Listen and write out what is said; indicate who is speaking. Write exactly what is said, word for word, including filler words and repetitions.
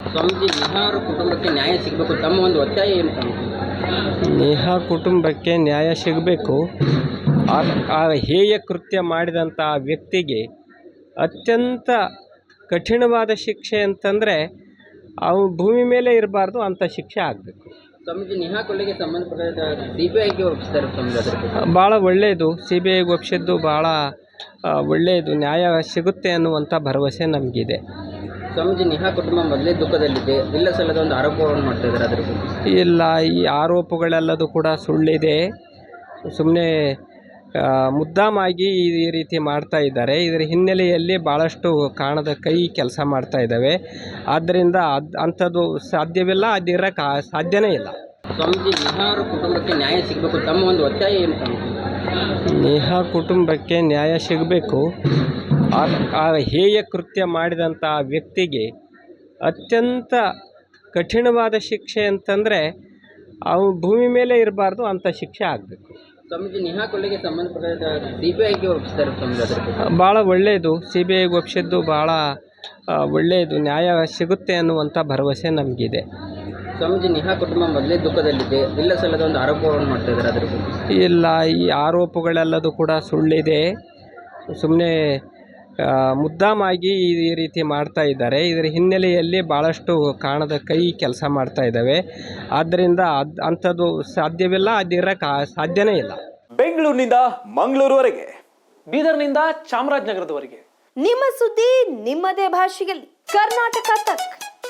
Speaker 1: ಸ್ವಾಮೀಜಿ, ನೇಹಾ ಅವರ ಕುಟುಂಬಕ್ಕೆ ನ್ಯಾಯ ಸಿಗಬೇಕು, ತಮ್ಮ ಒಂದು ಒತ್ತಾಯ ಏನು ಸ್ವಾಮೀಜಿ?
Speaker 2: ನೇಹಾ ಕುಟುಂಬಕ್ಕೆ ನ್ಯಾಯ ಸಿಗಬೇಕು. ಆ ಹೇಯ ಕೃತ್ಯ ಮಾಡಿದಂಥ ಆ ವ್ಯಕ್ತಿಗೆ ಅತ್ಯಂತ ಕಠಿಣವಾದ ಶಿಕ್ಷೆ ಅಂತಂದರೆ ಅವು ಭೂಮಿ ಮೇಲೆ ಇರಬಾರ್ದು, ಅಂಥ ಶಿಕ್ಷೆ ಆಗಬೇಕು.
Speaker 1: ಸ್ವಾಮೀಜಿ, ನೇಹಾ ಕೊಲೆಗೆ ಸಂಬಂಧಪಟ್ಟ ಸಿ ಬಿ ಐಗೆ ಒಪ್ಪಿಸ್ತಾರೆ ಸ್ವಾಮೀಜಿ, ಅದ್ರ ಬಗ್ಗೆ
Speaker 2: ಭಾಳ ಒಳ್ಳೆಯದು. ಸಿ ಬಿ ಐಗೆ ಒಪ್ಪಿಸಿದ್ದು ಭಾಳ ಒಳ್ಳೆಯದು. ನ್ಯಾಯ ಸಿಗುತ್ತೆ ಅನ್ನುವಂಥ ಭರವಸೆ ನಮಗಿದೆ.
Speaker 1: ಸ್ವಾಮೀಜಿ, ನೇಹಾ ಕುಟುಂಬ ಮೊದಲೇ ದುಃಖದಲ್ಲಿದೆ, ಇಲ್ಲ ಸಲ್ಲದ ಒಂದು ಆರೋಪವನ್ನು ಮಾಡ್ತಾ ಇದ್ದಾರೆ, ಅದ್ರ ಬಗ್ಗೆ
Speaker 2: ಇಲ್ಲ, ಈ ಆರೋಪಗಳೆಲ್ಲದೂ ಕೂಡ ಸುಳ್ಳಿದೆ. ಸುಮ್ಮನೆ ಮುದ್ದಾಮಾಗಿ ಈ ರೀತಿ ಮಾಡ್ತಾ ಇದ್ದಾರೆ. ಇದರ ಹಿನ್ನೆಲೆಯಲ್ಲಿ ಭಾಳಷ್ಟು ಕಾಣದ ಕೈ ಕೆಲಸ ಮಾಡ್ತಾ ಇದ್ದಾವೆ. ಆದ್ದರಿಂದ ಅದು ಅಂಥದ್ದು ಸಾಧ್ಯವಿಲ್ಲ, ಅದಿರೋಕ್ಕೆ ಸಾಧ್ಯನೇ ಇಲ್ಲ.
Speaker 1: ಸ್ವಾಮೀಜಿ, ನೇಹಾ ಅವರ ಕುಟುಂಬಕ್ಕೆ ನ್ಯಾಯ ಸಿಗಬೇಕು, ತಮ್ಮ ಒಂದು ಒತ್ತಾಯ ಏನು ಸ್ವಾಮೀಜಿ?
Speaker 2: ನೇಹಾ ಕುಟುಂಬಕ್ಕೆ ನ್ಯಾಯ ಸಿಗಬೇಕು. ಆ ಹೇಯ ಕೃತ್ಯ ಮಾಡಿದಂಥ ಆ ವ್ಯಕ್ತಿಗೆ ಅತ್ಯಂತ ಕಠಿಣವಾದ ಶಿಕ್ಷೆ ಅಂತಂದರೆ ಅವು ಭೂಮಿ ಮೇಲೆ ಇರಬಾರ್ದು, ಅಂಥ ಶಿಕ್ಷೆ ಆಗಬೇಕು.
Speaker 1: ಸ್ವಾಮೀಜಿ, ನೇಹಾ ಕೊಲೆಗೆ ಸಂಬಂಧಪಟ್ಟ ಸಿ ಬಿ ಐಗೆ ಒಪ್ಪಿಸ್ತಾರೆ ಸ್ವಾಮೀಜಿ, ಅದ್ರ ಬಗ್ಗೆ
Speaker 2: ಭಾಳ ಒಳ್ಳೆಯದು. ಸಿ ಬಿ ಐಗೆ ಒಪ್ಪಿಸಿದ್ದು ಭಾಳ ಒಳ್ಳೆಯದು. ನ್ಯಾಯ ಸಿಗುತ್ತೆ ಅನ್ನುವಂಥ ಭರವಸೆ ನಮಗಿದೆ.
Speaker 1: ಸ್ವಾಮೀಜಿ, ನೇಹಾ ಕುಟುಂಬ ಮೊದಲೇ ದುಃಖದಲ್ಲಿದೆ, ಇಲ್ಲ ಸಲ್ಲದ ಒಂದು ಆರೋಪವನ್ನು ಮಾಡ್ತಾ ಇದ್ದಾರೆ, ಅದ್ರ ಬಗ್ಗೆ
Speaker 2: ಇಲ್ಲ, ಈ ಆರೋಪಗಳೆಲ್ಲದೂ ಕೂಡ ಸುಳ್ಳಿದೆ. ಸುಮ್ಮನೆ ಮುದ್ದಾಮಾಗಿ ಈ ರೀತಿ ಮಾಡ್ತಾ ಇದ್ದಾರೆ. ಇದರ ಹಿನ್ನೆಲೆಯಲ್ಲಿ ಭಾಳಷ್ಟು ಕಾಣದ ಕೈ ಕೆಲಸ ಮಾಡ್ತಾ ಇದ್ದಾವೆ. ಆದ್ದರಿಂದ ಅದು ಅಂಥದ್ದು ಸಾಧ್ಯವಿಲ್ಲ, ಅದಿರೋಕ್ಕೆ ಸಾಧ್ಯನೇ ಇಲ್ಲ.
Speaker 3: ಬೆಂಗಳೂರಿನಿಂದ ಮಂಗಳೂರುವರೆಗೆ, ಬೀದರ್ನಿಂದ ಚಾಮರಾಜನಗರದವರೆಗೆ
Speaker 4: ನಿಮ್ಮ ಸುದ್ದಿ ನಿಮ್ಮದೇ ಭಾಷೆಯಲ್ಲಿ. ಕರ್ನಾಟಕ ತಕ್.